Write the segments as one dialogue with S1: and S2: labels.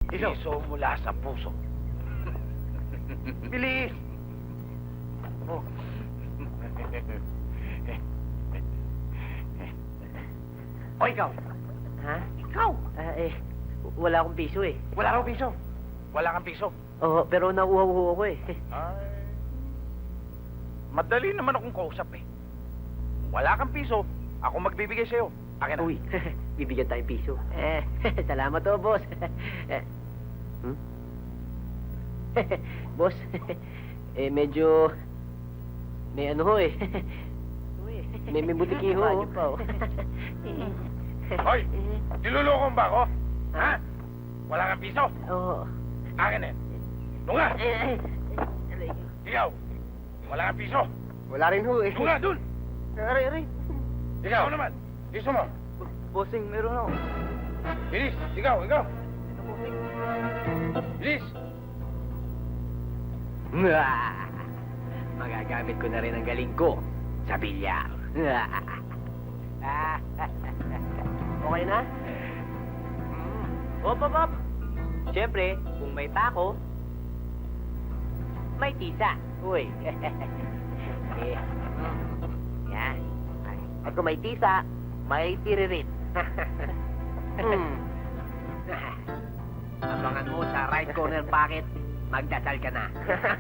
S1: Piso mula sa puso. Bilis! Oh. O ikaw?
S2: Ha?
S1: Ikaw?
S2: Wala akong piso eh.
S1: Wala kang piso. Wala kang piso.
S2: Oo, pero nauuhaw ako eh.
S1: Ay. Madali naman akong kausap eh. Wala kang piso, ako magbibigay sa'yo. Akin na.
S2: Uy, bibigyan tayong piso. Salamat to, boss. Hmm? Boss, medyo... May ano ho eh. May butiki ho.
S1: Hoy! Niluloko mo ba ako? Ha? Wala kang piso?
S2: Oo.
S1: Akin eh. Lunga! Ikaw! Wala kang piso?
S2: Wala rin ho eh.
S1: Lunga, dun!
S2: Aray.
S1: Ikaw naman! Piso mo!
S2: Bossing, meron ako.
S1: Bilis! Ikaw! Bilis!
S2: Magagamit ko na rin ang galing ko sa bilyar. Okay na? Hop. Siyempre, kung may tako, may tisa. Uy. Yan. At kung may tisa, may tiririt. Abangan mo sa right corner pocket, magdasal ka na.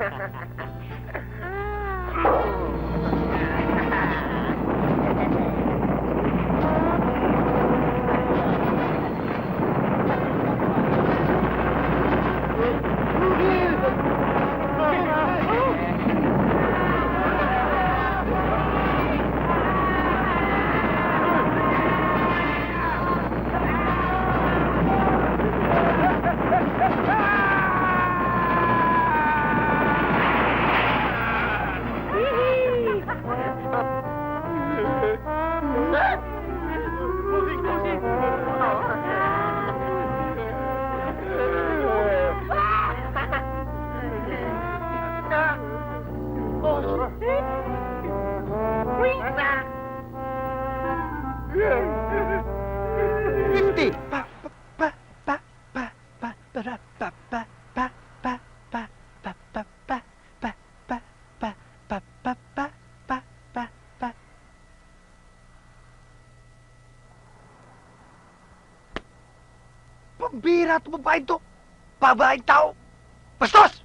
S3: Pambira ito, babaeng to! Babaeng tao! Bastos!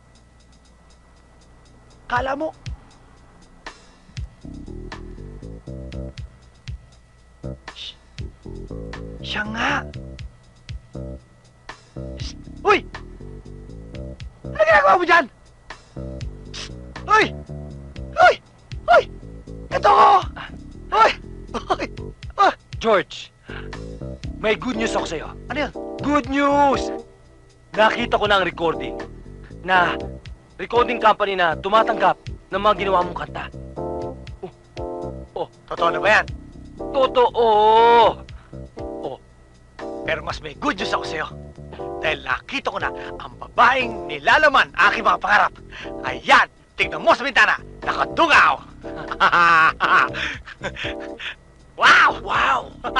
S3: Kala mo... Siya nga! Shh! Uy! Ano ginagawa mo dyan? Shh! Uy! Uy! Uy! Ito ko! Uy! Uy!
S4: George, may good news ako sa'yo.
S3: Ano yun?
S4: Good news! Nakita ko na ang recording. Na recording company na tumatanggap ng mga ginawa mong kanta.
S3: Totoo na ba yan?
S4: Totoo!
S3: Pero mas may good news ako sa'yo. Dahil nakita ko na ang babaeng nilalaman aking mga pangarap. Ayan! Tignan mo sa bintana! Nakadungaw! Wow!
S4: Wow!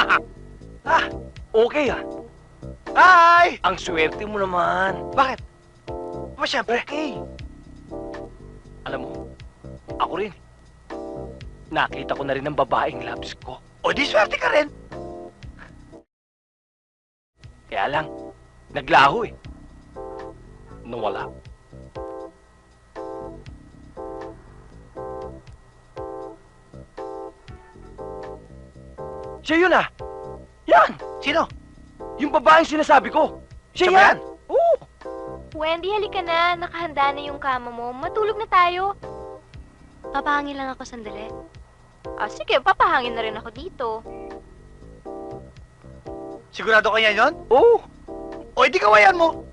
S4: Okay ah.
S3: Hi!
S4: Ang swerte mo naman.
S3: Bakit? Ba, siyempre.
S4: Okay. Alam mo, ako rin. Nakita ko na rin ang babaeng loves ko.
S3: O di swerte ka rin.
S4: Kaya lang, naglaho eh. Nawala. Siya yun ah! Yan!
S3: Sino?
S4: Yung babaeng sinasabi ko! Siya
S3: Siya ba
S4: yan! Oo!
S5: Wendy, halika na. Nakahanda na yung kama mo. Matulog na tayo. Papahangin lang ako sandali. Sige, papahangin na rin ako dito.
S3: Sigurado ka yan yun?
S4: Oo!
S3: O di kawayan mo.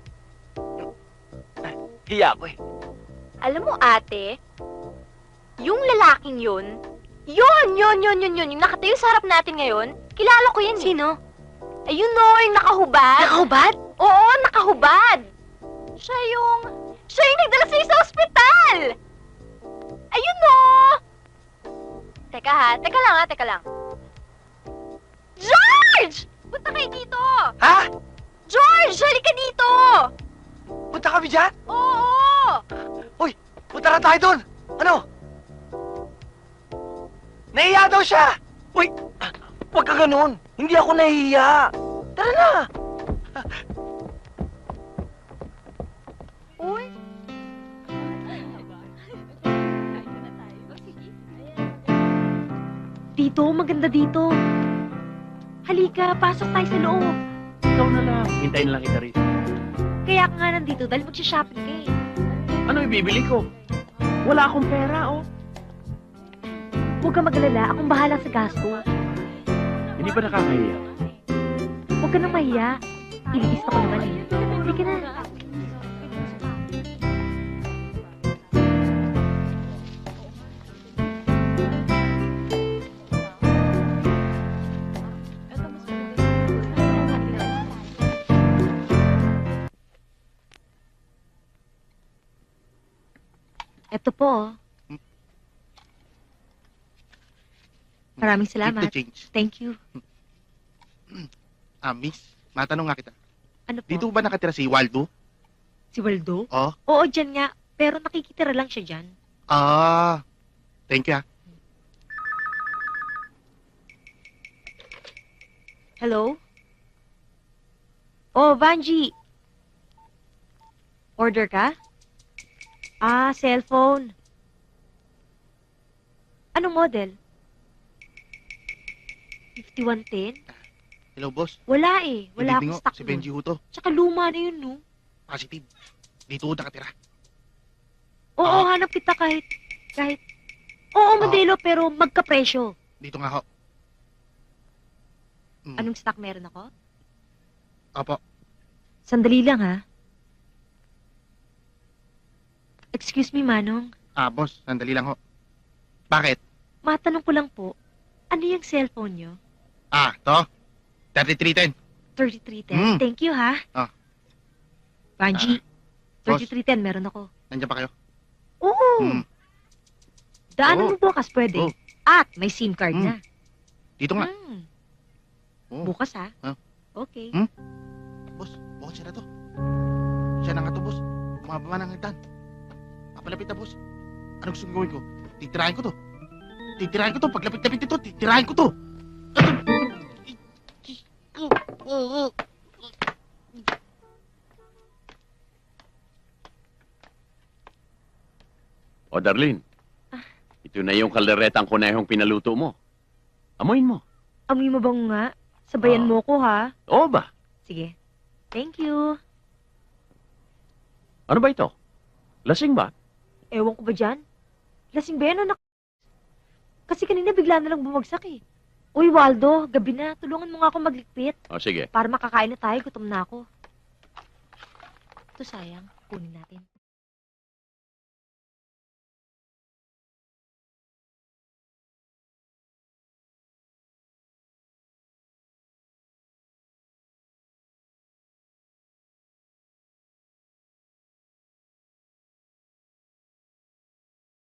S4: Hiya ko eh.
S5: Alam mo, ate, yung lalaking yun, yung nakatayo sa harap natin ngayon, kilala ko yan. Sino? Ayun no, yung nakahubad. Nakahubad? Oo, nakahubad. Siya yung nagdala sa'yo sa ospital. Ayun no. Teka lang. George! Punta kayo dito!
S3: Ha?
S5: George, halika dito!
S3: kami dyan?
S5: Oo!
S3: Uy, punta na tayo doon. Ano? Nahiya daw siya.
S4: Uy, huwag ka ganun. Hindi ako nahihiya. Tara na.
S5: Uy!
S6: Dito, maganda dito. Halika, pasok tayo sa loob.
S7: Ikaw na lang. Hintayin na lang kita rito.
S6: Kaya ka nga nandito dahil magsha-shopping ka eh.
S7: Ano ibibili ko? Wala akong pera, oh.
S6: Huwag ka mag-alala, akong bahala sa gasto.
S7: Hindi ba nakakahiya?
S6: Huwag ka nang mahiya. Ililista ko naman eh. Halika na. Ito po. Oh. Maraming salamat.
S8: Keep the change.
S6: Thank you.
S8: Miss, matanong nga kita.
S6: Ano po?
S8: Dito ba nakatira si Waldo?
S6: Si Waldo?
S8: Oh.
S6: Oo, dyan nga. Pero nakikitira lang siya dyan.
S8: Thank you,
S6: Hello? Oh, Vanji. Order ka? Cellphone. Anong model? 5110?
S8: Hello, boss.
S6: Wala eh. Wala
S8: Good evening,
S6: akong stock
S8: Si Benji
S6: nun.
S8: ho to.
S6: Tsaka luma na yun, no?
S8: Positive. Dito ho nakatira.
S6: Oo, hanap kita kahit... Oo, modelo, pero magkapresyo.
S8: Dito nga ho.
S6: Anong stock meron ako?
S8: Opo.
S6: Sandali lang, ha? Excuse me, Manong.
S8: Boss, sandali lang ho. Bakit?
S6: Matanong ko lang po, ano yung cellphone nyo?
S8: To. 3310.
S6: 3310.
S8: Mm.
S6: Thank you, ha? Vanji,
S8: boss.
S6: 3310 meron ako.
S8: Nandiyan pa kayo?
S6: Oo.
S8: Mm.
S6: Daanan
S8: Oo.
S6: mo bukas, pwede.
S8: Oo.
S6: At may SIM card
S8: Mm.
S6: na.
S8: Dito nga. Oo.
S6: Bukas, ha?
S8: Ah.
S6: Okay.
S8: Mm. Boss, bukas siya na to. Siya na nga to, boss. Bumababa ng hagdan. Papalapit na, boss. Ano gusto gawin ko? Titirahin ko to. Titirahin ko to. Paglapit-lapit nito, titirahin ko to.
S7: O, Darlene. Ito na yung kalderetang kunehong pinaluto mo. Amoyin mo.
S6: Amoy mo bang nga? Sabayan
S7: Ah.
S6: mo ko, ha?
S7: Oo ba?
S6: Sige. Thank you.
S7: Ano ba ito? Lasing ba?
S6: Ewan ko ba dyan? Lasing ba yan, anak? Kasi kanina bigla na lang bumagsak, eh. Uy, Waldo, gabi na. Tulungan mo nga ako maglikpit.
S7: O, sige.
S6: Para makakain na tayo, gutom na ako. Ito sayang, kunin natin.